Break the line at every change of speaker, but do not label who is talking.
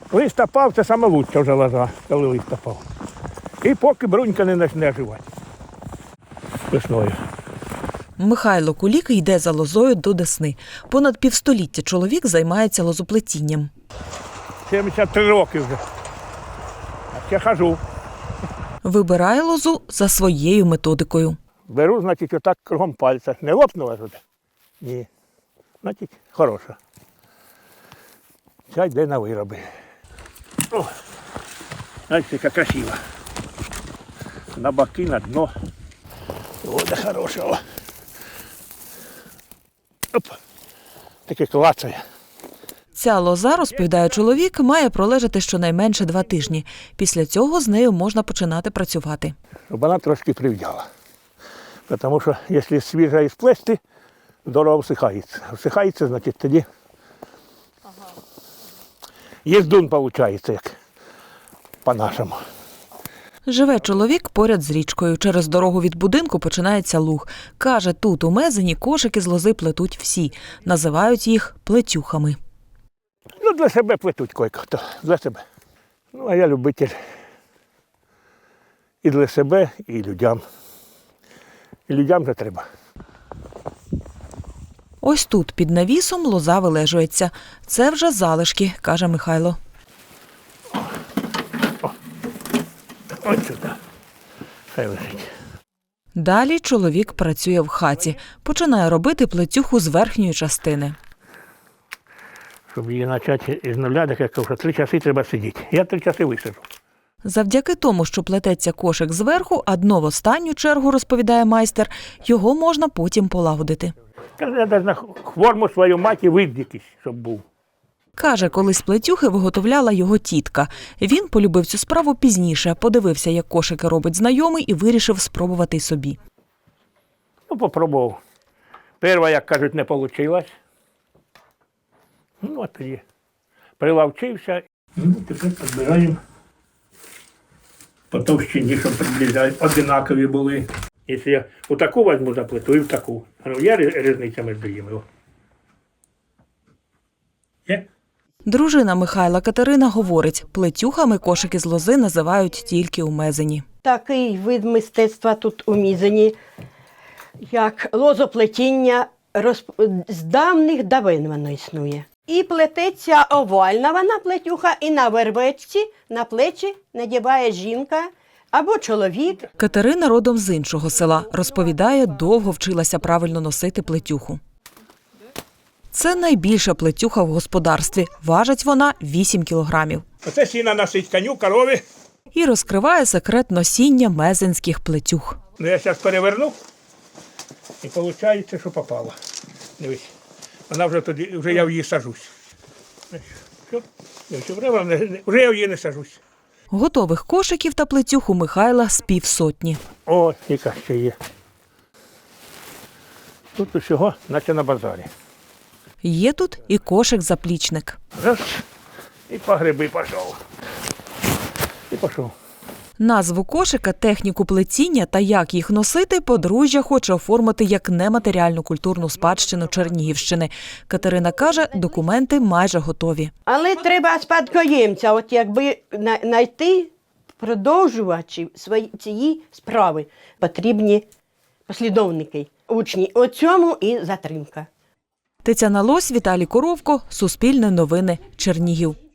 Лист опав, це саме лучше вже лоза, коли лист опав. І поки брунька не почне оживати весною.
Михайло Кулік йде за лозою до Десни. Понад півстоліття чоловік займається лозоплетінням.
73 роки вже. А ще хожу.
Вибирає лозу за своєю методикою.
Беру, значить, отак кругом пальця. Не лопнула туди? Ні. Значить, хороша. Ця йде на вироби. О, знаєте, яка красива. На боки, на дно. О, да хорошого. Оп. Таке клацає.
Ця лоза, розповідає чоловік, має пролежати щонайменше 2 тижні. Після цього з нею можна починати працювати.
Щоб вона трошки прив'яла. Тому що, якщо свіжа і сплести, здорово всихається. Всихається, значить, тоді їздун виходить, як по-нашому.
Живе чоловік поряд з річкою. Через дорогу від будинку починається луг. Каже, тут у Мезені кошики з лози плетуть всі. Називають їх плетюхами.
Ну, для себе плетуть кой-хто, для себе. Ну, а я любитель і для себе, і людям. І людям же треба.
Ось тут, під навісом, лоза вилежується. Це вже залишки, каже Михайло.
Ось сюди. Хай лежить.
Далі чоловік працює в хаті. Починає робити плетюху з верхньої частини.
Щоб її почати із нуля, так як кажу, 3 часи треба сидіти. Я 3 часи висиджу.
Завдяки тому, що плететься кошик зверху, а дно в останню чергу, розповідає майстер, його можна потім полагодити.
Каже, я навіть на форму свою маті вид якийсь, щоб був.
Каже, колись плетюхи виготовляла його тітка. Він полюбив цю справу пізніше, подивився, як кошики робить знайомий і вирішив спробувати й собі.
Ну, попробував. Перша, як кажуть, не вийшло. Ну, от тоді прилавчився. Ну, тепер підбираємо по товщині, щоб однакові були. Якщо я у таку візьму за плиту і в таку. Є різниця між ними? Є?
Дружина Михайла Катерина говорить, плетюхами кошики з лози називають тільки у Мезені.
Такий вид мистецтва тут у Мізені, як лозоплетіння, з давних давин воно існує. І плететься овальна вона плетюха, і на вервечці, на плечі надіває жінка або чоловік.
Катерина родом з іншого села. Розповідає, довго вчилася правильно носити плетюху. Це найбільша плетюха в господарстві. Важить вона 8 кілограмів.
Оце сіна носить коню, корові.
І розкриває секрет носіння мезенських плетюх.
Ну, я зараз переверну, і виходить, що попало. Дивись, вона вже тоді, вже я в її сажусь. Вже я в її не сажусь.
Готових кошиків та плетюх у Михайла з 500.
О, яка ще є. Тут усього, наче на базарі.
Є тут і кошик-заплічник.
Раз, і по гриби пішов. І пішов.
Назву кошика, техніку плетіння та як їх носити подружжя хоче оформити як нематеріальну культурну спадщину Чернігівщини. Катерина каже, документи майже готові.
Але треба спадкоємця, от якби знайти продовжувачів цієї справи. Потрібні послідовники, учні. У цьому і затримка.
Тетяна Лось, Віталій Коровко, Суспільне новини, Чернігів.